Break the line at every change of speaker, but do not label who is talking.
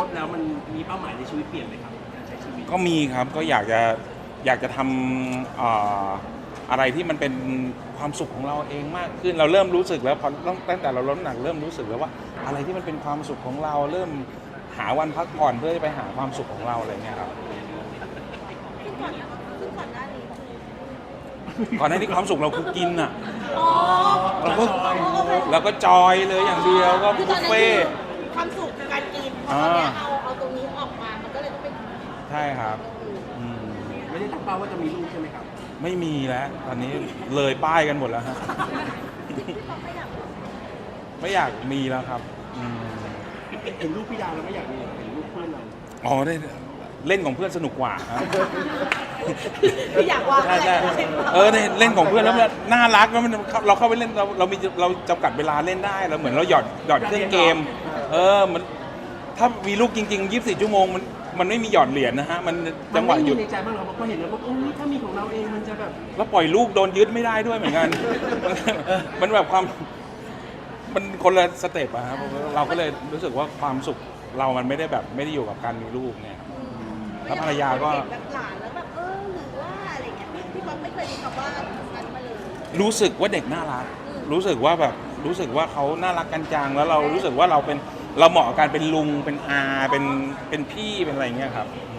บแล้วมันมีเป้าหมายในชีวิตเปลี่ยนไหมครับการใช้ชีวิต
ก็มีครับก็อยากจะทำอะไรที่มันเป็นความสุขของเราเองมากขึ้นเราเริ่มรู้สึกแล้วพอตั้งแต่เราลดน้ำหนักเริ่มรู้สึกแล้วว่าอะไรที่มันเป็นความสุขของเราเริ่มหาวันพักผ่อนเพื่อจะไปหาความสุขของเราอะไรเงี้ยครับก่อนหน้านี้ความสุขเราคือกินอ่ะเราก็จอยเลยอย่างเดียวก็บุฟเฟ่
ความสุขการกินพอตอนนี้เอาตรงนี้ออกมามันก็เลยต้องเป็น
ใช่ครับ
ไม่ได้ตั้งเป้าว่าจะมีลูกใช่ไหมครับ
ไม่มีแล้วตอนนี้เลยป้ายกันหมดแล้วฮะไม่อยากมีแล้วครับ
เห็นลูกพี่ดาวแล้วไม่อยากมีเห็นลูกเพื่อนเรา
อ๋อได้เล่นของเพื่อนสนุกกว่าครับ
อยากว่าอะไร
เล่นของเพื่อนแล้วมันน่ารักแล้วมันเราเข้าไปเล่นเราจำกัดเวลาเล่นได้เราเหมือนเราหยอดเครื่องเกมมันถ้ามีลูกจริงๆ24 ชั่วโมงมันไม่มีหยอดเหรียญนะฮะมันจังหวะหยุด
ในใจบ้างเราก็เห็นแล้วว่าถ้ามีของเราเองมันจะแบบ
แล้วปล่อยลูกโดนยึดไม่ได้ด้วยเหมือนกันมันแบบมันคนละสเต็ปอะครับเราก็เลยรู้สึกว่าความสุขเรามันไม่ได้อยู่กับการมีลูกเนี่ยแล้วภรรยาก็
แบบหลานแล้วแบบหรือว่าอะไรเงี้ยพี่ป๊อปไม่เคยมีคำว่านั้นมาเลย
รู้สึกว่าเด็กน่ารักรู้สึกว่าเขาน่ารักกันจังแล้วเรารู้สึกว่าเราเหมาะกับการเป็นลุงเป็นอาเป็นพี่เป็นอะไรเงี้ยครับ